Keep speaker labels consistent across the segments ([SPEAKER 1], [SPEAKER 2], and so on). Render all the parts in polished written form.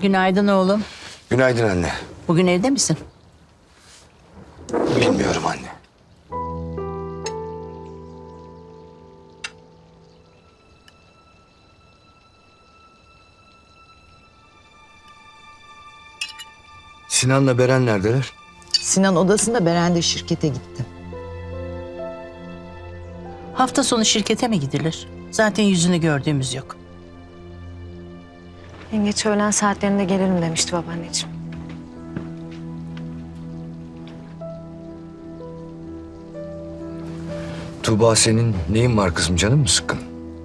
[SPEAKER 1] Günaydın oğlum.
[SPEAKER 2] Günaydın anne.
[SPEAKER 1] Bugün evde misin?
[SPEAKER 2] Bilmiyorum anne. Sinan'la Beren neredeler?
[SPEAKER 3] Sinan odasında, Beren de şirkete gitti.
[SPEAKER 1] Hafta sonu şirkete mi gidilir? Zaten yüzünü gördüğümüz yok.
[SPEAKER 4] Yengeç öğlen saatlerinde gelirim demişti babaanneciğim.
[SPEAKER 2] Tuğba, senin neyin var kızım, canın mı sıkkın?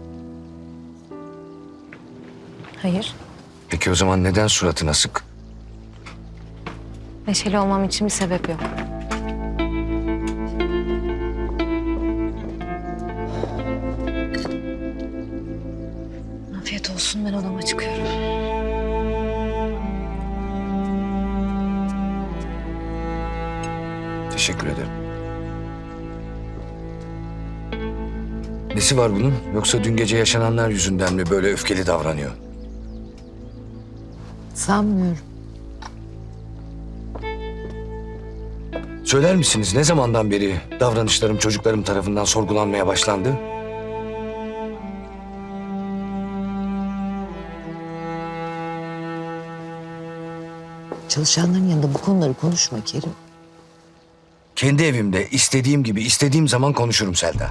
[SPEAKER 4] Hayır.
[SPEAKER 2] Peki o zaman neden suratın asık?
[SPEAKER 4] Neşeli olmam için bir sebep yok. Afiyet olsun, ben odama çıkıyorum.
[SPEAKER 2] Teşekkür ederim. Nesi var bunun? Yoksa dün gece yaşananlar yüzünden mi böyle öfkeli davranıyor?
[SPEAKER 3] Sanmıyorum.
[SPEAKER 2] Söyler misiniz, ne zamandan beri davranışlarım çocuklarım tarafından sorgulanmaya başlandı?
[SPEAKER 3] Çalışanların yanında bu konuları konuşma Kerim.
[SPEAKER 2] Kendi evimde istediğim gibi istediğim zaman konuşurum Selda.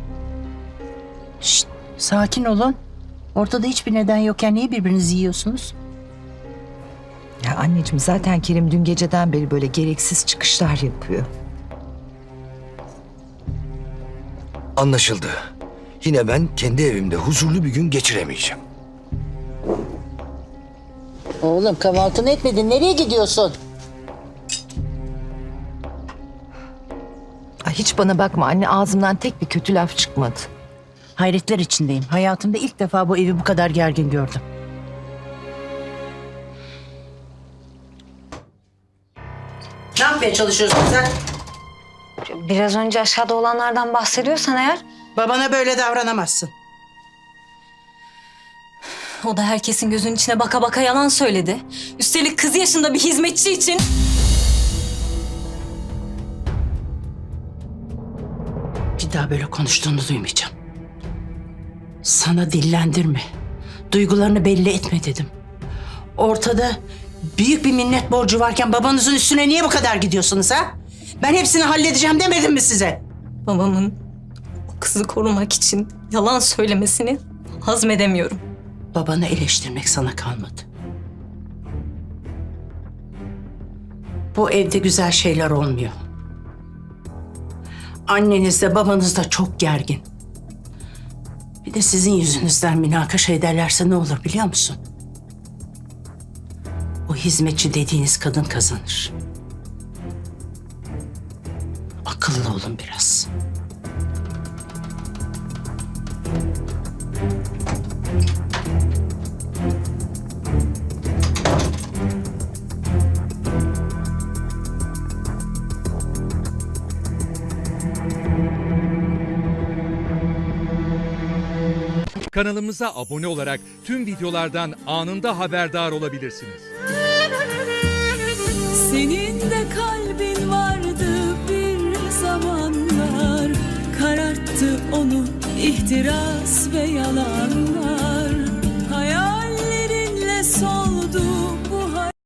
[SPEAKER 1] Şşt, sakin olun. Ortada hiçbir neden yokken niye birbirinizi yiyorsunuz?
[SPEAKER 3] Ya anneciğim, zaten Kerim dün geceden beri böyle gereksiz çıkışlar yapıyor.
[SPEAKER 2] Anlaşıldı. Yine ben kendi evimde huzurlu bir gün geçiremeyeceğim.
[SPEAKER 1] Oğlum kahvaltını etmedin. Nereye gidiyorsun?
[SPEAKER 3] Ay hiç bana bakma anne, ağzımdan tek bir kötü laf çıkmadı.
[SPEAKER 1] Hayretler içindeyim. Hayatımda ilk defa bu evi bu kadar gergin gördüm. Ne yapmaya çalışıyorsun sen?
[SPEAKER 4] Biraz önce aşağıda olanlardan bahsediyorsan eğer...
[SPEAKER 1] Babana böyle davranamazsın.
[SPEAKER 5] O da herkesin gözünün içine baka baka yalan söyledi. Üstelik kız yaşında bir hizmetçi için.
[SPEAKER 1] Bir daha böyle konuştuğunu duymayacağım. Sana dillendirme. Duygularını belli etme dedim. Ortada büyük bir minnet borcu varken babanızın üstüne niye bu kadar gidiyorsunuz ha? Ben hepsini halledeceğim demedim mi size?
[SPEAKER 5] Babamın o kızı korumak için yalan söylemesini hazmedemiyorum.
[SPEAKER 1] Babanı eleştirmek sana kalmadı. Bu evde güzel şeyler olmuyor. Anneniz de babanız da çok gergin. Bir de sizin yüzünüzden münakaşa ederlerse ne olur biliyor musun? O hizmetçi dediğiniz kadın kazanır. Akıllı olun biraz.
[SPEAKER 6] Kanalımıza abone olarak tüm videolardan anında haberdar olabilirsiniz.
[SPEAKER 7] Senin de kalbin vardı bir zamanlar, kararttı onu ihtiras ve yalanlar. Hayallerinle soldu